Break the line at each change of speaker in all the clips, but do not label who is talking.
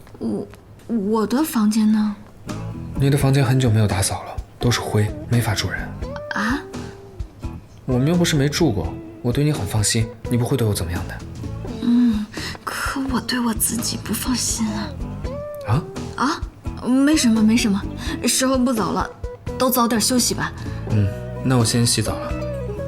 我的房间呢？
你的房间很久没有打扫了，都是灰，没法住人。
啊？
我们又不是没住过，我对你很放心，你不会对我怎么样的。
可我对我自己不放心啊。
啊？
没什么没什么，时候不早了，都早点休息吧。
那我先洗澡了。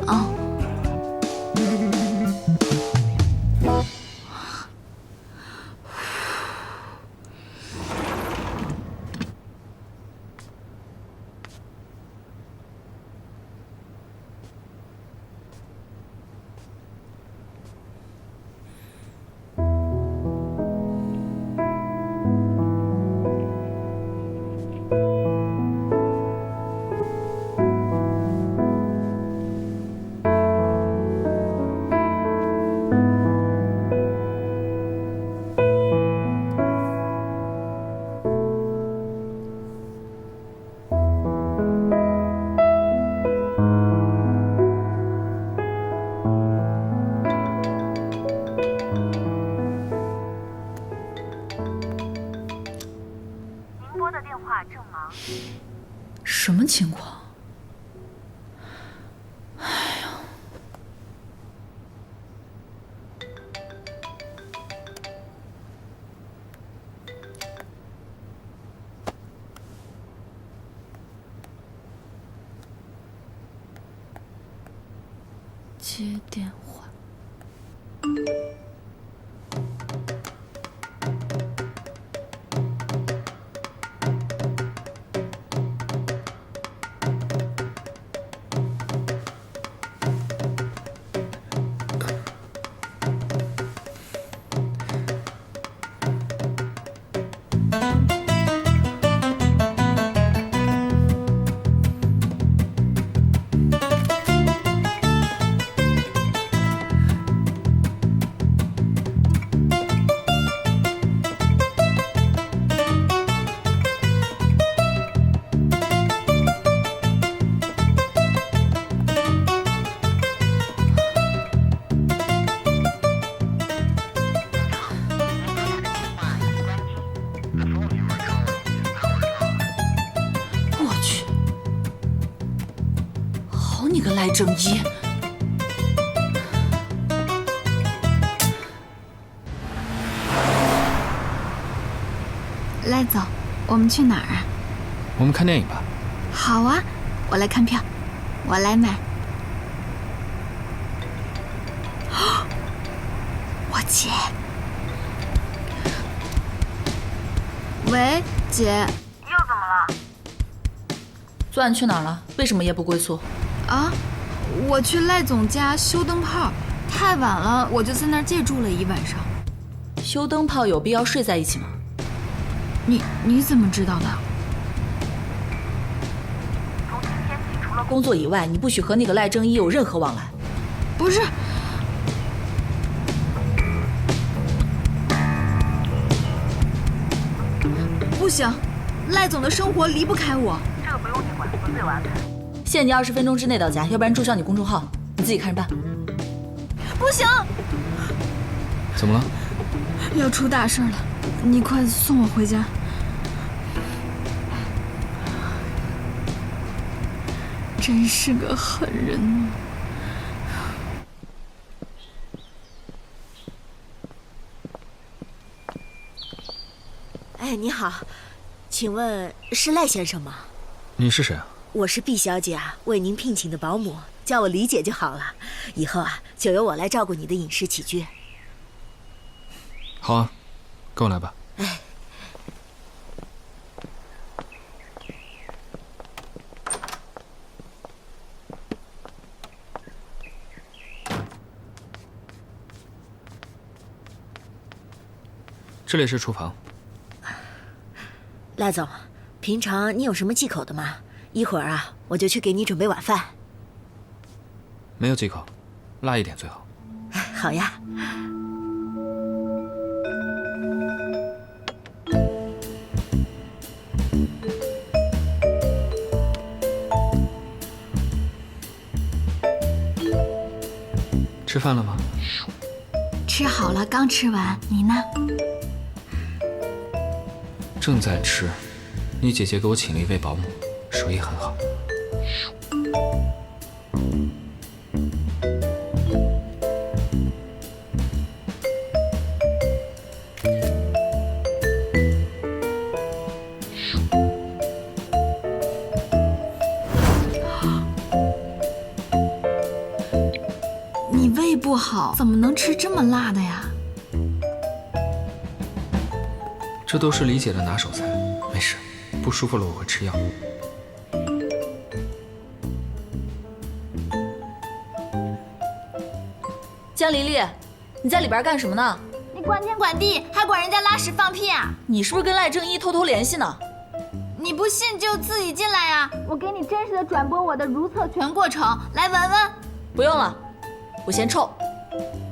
什么情况？接电话。我去，好你个赖正一！
赖总，我们去哪儿啊？
我们看电影吧。
好啊，我来看票，我来买。我姐。喂，姐。
昨晚去哪儿了？为什么夜不归宿？
啊，我去赖总家修灯泡，太晚了，我就在那儿借住了一晚上。
修灯泡有必要睡在一起吗？
你怎么知道的？
从今天起，除了工作以外，你不许和那个赖正一有任何往来。
不是。不行，赖总的生活离不开我。
这个不用你管，我自有安排。限你20分钟之内到家，要不然注销你公众号，你自己看着办。
不行，
怎么了？
要出大事了，你快送我回家。真是个狠人啊！
哎，你好，请问是赖先生吗？
你是谁啊？
我是毕小姐啊，为您聘请的保姆，叫我李姐就好了。以后啊，就由我来照顾你的饮食起居。
好啊，跟我来吧。
哎，
这里是厨房。
赖总，平常你有什么忌口的吗？一会儿啊，我就去给你准备晚饭。
没有忌口，辣一点最好。
好呀。
吃饭了吗？
吃好了，刚吃完。你呢？
正在吃。你姐姐给我请了一位保姆，手艺很好。
你胃不好，怎么能吃这么辣的呀？
这都是李姐的拿手菜，没事，不舒服了我会吃药。
江黎丽，你在里边干什么呢？
你管天管地，还管人家拉屎放屁啊？
你是不是跟赖正一偷偷联系呢？
你不信就自己进来呀！我给你真实的转播我的如厕全过程，来闻闻。
不用了，我嫌臭。